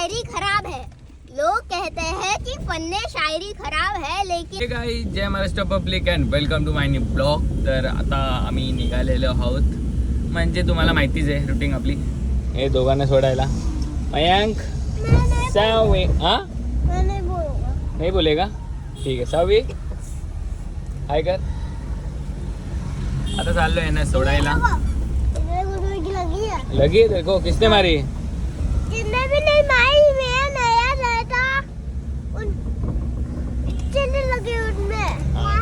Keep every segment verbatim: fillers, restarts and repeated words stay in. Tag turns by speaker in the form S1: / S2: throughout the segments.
S1: शायरी खराब है. लोग कहते हैं की फन्ने शायरी खराब है लेकिन.
S2: गाईज, जय Maharashtra public and welcome to my new blog. तर आता आम्ही निघालेलो आहोत. म्हणजे तुम्हाला माहितीच आहे रुटीन आपली. हे दोघांना सोडायला. मयांक सावे हा नाही बोलेगा. ठीक आहे सावी हाय कर. आता चाललोय ना सोडायला. लगी देखो किसने मारी.
S1: किसने भी नहीं मारी. मैं नया रहता उन चलने लगे उनमें.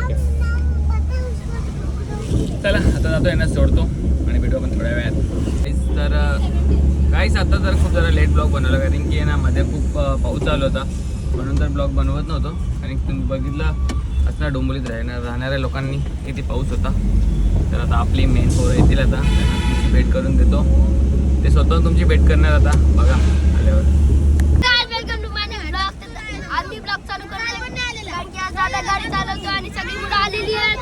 S2: चला आता जातोय ना सोडतो आणि व्हिडिओ पण थोड्या वेळात. तर काहीच आता तर खूप जरा लेट ब्लॉग बनवला कारण की ना मध्ये खूप पाऊस चालू होता म्हणून तर ब्लॉग बनवत नव्हतो. आणि तुम्ही बघितलं असणार डोंबिवलीत राहणार राहणाऱ्या लोकांनी किती पाऊस होता. तर आता आपली मेन पोरं येतील आता त्यांना तुमची भेट करून देतो. ते स्वतः तुमची भेट करणार आता बघा आल्यावर.
S1: Welcome to my blog. आम्ही ब्लॉग चालू करणार कारण की आज दादा गाडी चालवतो आणि सगळी मुलं आलेली आहेत.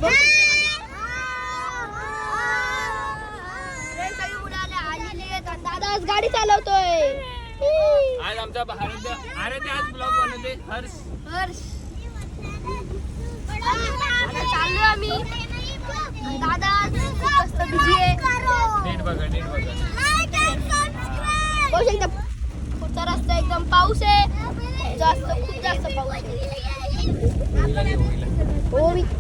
S1: सगळी मुलं आलेली आहेत आणि दादा आज गाडी चालवतोय.
S2: आज आमचा आराध्य आराध्य आज ब्लॉग बनवते हर्ष.
S1: हर्ष आता चाललो आम्ही. दादा आज खूप मस्त बिझी आहे.
S2: नीट बघा नीट बघा.
S1: पाऊस एकदम पुढचा रस्ता एकदम पाऊस आहे. जास्त खूप जास्त पाऊस आहे. हो मी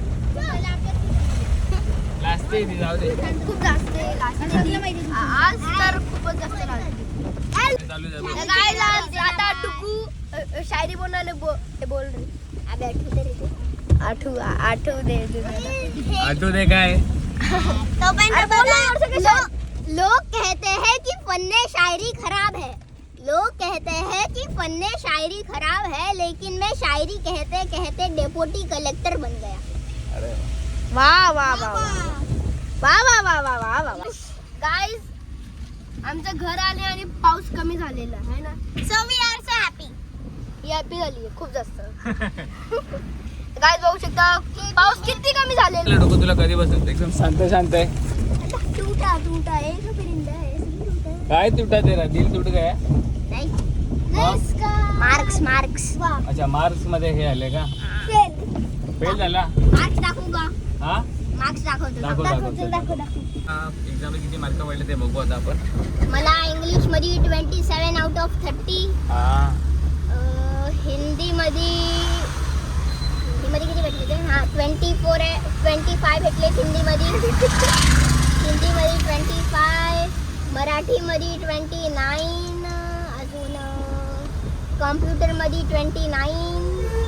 S2: लास्ट आहे ती जाऊ दे.
S1: खूप जास्त आहे. लास्ट आज तर खूपच जास्त लागते.
S2: चालू झालं.
S1: गाइस आज आता टुकू शायरी बोलने बो, बोल रही. अबे आठू दे रे. आठू आठू दे दे.
S2: आठवू दे काय.
S1: तो लो, लोग कहते हैं कि फन्ने शायरी खराब है. लोग कहते हैं कि फन्ने शायरी खराब है लेकिन मैं शायरी कहते कहते डेप्यूटी कलेक्टर बन गया.
S2: अरे
S1: वाह वाह वाह वाह वाह वाह वाह वाह वाह. गाइस आमचं घर आले आणि पाऊस कमी झालेला आहे ना. So we are so happy. Happy झाली आहे खूप जास्त. गाइस बघू शकता पाऊस किती कमी झालेला.
S2: डोकं तुला कधी बसत एकदम शांत शांत आहे.
S1: टूटा टूटा एक परिंदा है.
S2: काय तुटा तेरा दिल तुट गया.
S1: नहीं मार्क्स मार्क्स.
S2: अच्छा मार्क्स मध्ये हे आले का. फेल झाला.
S1: मार्क्स दाखवूगा.
S2: हा
S1: मार्क्स दाखवतो.
S2: दाखव दाखव दाखव. एक्झाम किती मार्क पडले ते बघू आता आपण.
S1: मला इंग्लिश मध्ये twenty seven out of thirty.
S2: हा
S1: हिंदी मध्ये हिंदी मध्ये किती भेटले ते. हा ट्वेंटी फोर ट्वेंटी फाय भेटले हिंदी मध्ये. हिंदी मध्ये ट्वेंटी फाय. मराठी मध्ये ट्वेंटी नाईन. अजून कॉम्प्युटर मध्ये ट्वेंटी नाईन.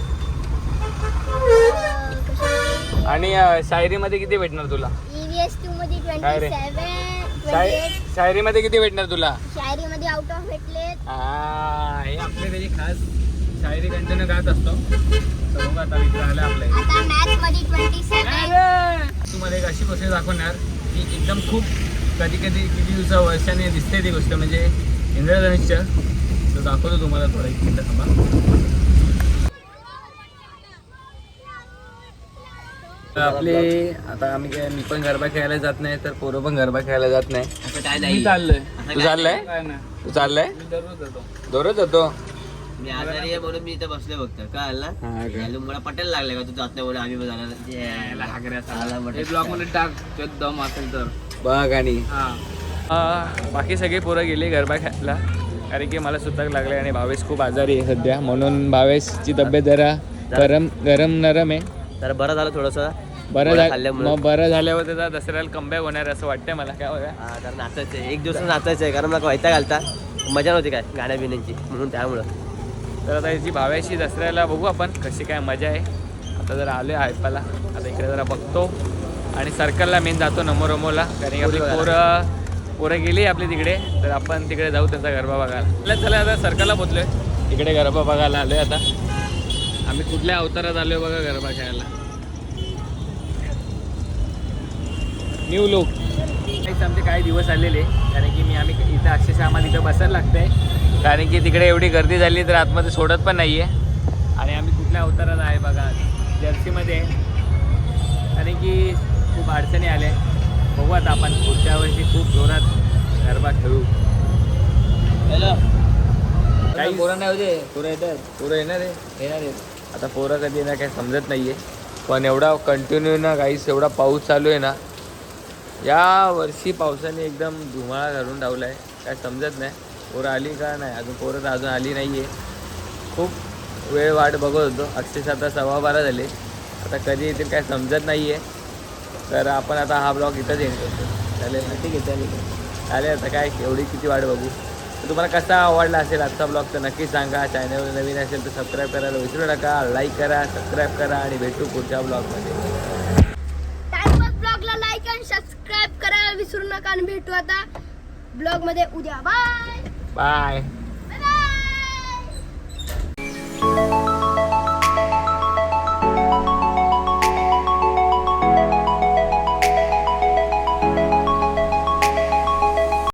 S2: आणि शायरी मध्ये किती भेटणार तुला.
S1: ईव्हीएस टू मध्ये
S2: काय रे?
S1: Twenty seven. Twenty eight.
S2: शायरी मध्ये किती भेटणार तुला.
S1: शायरी मध्ये आउट ऑफ भेटले.
S2: हा हे आपल्या घरी खास शायरी कंटिन्यू गात असतो. तर बघू आता मित्र आले आपल्या.
S1: आता मॅथ्स मध्ये ट्वेंटी सेवन.
S2: तुम्हाला एक अशी गोष्ट दाखवणार की एकदम खूप कधी कधी किती दिवसा वर्षाने दिसते ती गोष्ट म्हणजे इंद्रधनुष्य. तर दाखवतो तुम्हाला थोडं एक मिनिट थांबा. तर आपले आता आम्ही काय मी पण गरबा खेळायला जात नाही तर पोरं पण गरबा खेळायला जात नाही.
S3: असं काय
S2: मी
S3: नाही.
S2: चाललोय. तू चाललाय तू चाललाय
S3: दररोज जातो.
S2: दररोज जातो.
S3: मी आजारी आहे म्हणून मी इथे बसले फक्त. काय आला
S2: हा का?
S3: मला पटेल लागले का तू जात नाही म्हणून आम्ही पण जाणार.
S2: ब्लॉक मध्ये टाक दम असेल तर बघ. आणि बाकी सगळे पोरं गेले गरबा खेळायला कारण की मला सुतक लागले आणि भावेश खूप आजारी आहे सध्या म्हणून भावेशची तब्येत जरा गरम गरम नरम आहे.
S3: तर बरं झालं थोडंसं.
S2: बरं झालं मग बरं झाल्यावर त्याचा दसऱ्याला कमबॅक होणार असं वाटतंय मला. काय बघा
S3: हा तर नाचायचं आहे. एक दिवस नाचायचं आहे कारण मला व्हायचा घालता मजा नव्हती काय गाण्या बिण्यांची म्हणून त्यामुळं.
S2: तर आता याची भाव्याशी दसऱ्याला बघू आपण कशी काय मजा आहे. आता जरा आलो आहे आयपाला. आता इकडे जरा बघतो आणि सर्कलला मेन जातो नमोरमोला कारण की आपली पोरं पोरं गेली आपली तिकडे. तर आपण तिकडे जाऊ त्यांचा गरबा बघायला. चला आता सर्कलला पोचलोय. इकडे गरबा बघायला आलोय. आता आम्ही कुठल्या अवतारात आलोय बघा गरबा खेळायला. New look. आमचे काही दिवस आलेले कारण की मी आम्ही इथं अक्षरशः आम्हाला इथं बसायला लागतंय कारण की तिकडे एवढी गर्दी झाली तर आतमध्ये सोडत पण नाही आहे. आणि आम्ही कुठल्या अवतारात आहे बघा जर्सीमध्ये कारण की खूप अडचणी आल्या. बघू आता आपण पुढच्या वर्षी खूप जोरात गरबा खेळू. हॅलो काही
S3: पोरं नाही होते पोरं येतात
S2: पोरं येणार आहे
S3: येणार आहेत
S2: आता पोरं कधी येणार काही समजत नाहीये पण एवढा कंटिन्यू ना काहीच एवढा पाऊस चालू आहे ना या वर्षी पावसाने एकदम धुमाळा घालून ठेवलाय काय समजत नाही पोरं आली का नाही अजून पोरं तर अजून आली नाहीये खूप वेळ वाट बघत होतो अक्षरशः आता सव्वा बारा झाले आता कधी येतील काय समजत नाहीये तर आपण आता हा ब्लॉग इथंच एंड करतो चालेल ना ठीक आहे चालेल चालेल आता काय एवढी किती वाट बघू तर तुम्हाला कसा आवडला असेल आजचा ब्लॉग तर नक्की सांगा चॅनलवर नवीन असेल तर सबस्क्राईब करायला विसरू नका लाईक करा सबस्क्राईब करा आणि भेटू पुढच्या ब्लॉगमध्ये
S1: टाइमपास ब्लॉगला लाईक आणि सबस्क्राईब करायला विसरू नका आणि भेटू आता ब्लॉग मध्ये उद्या बाय
S2: बाय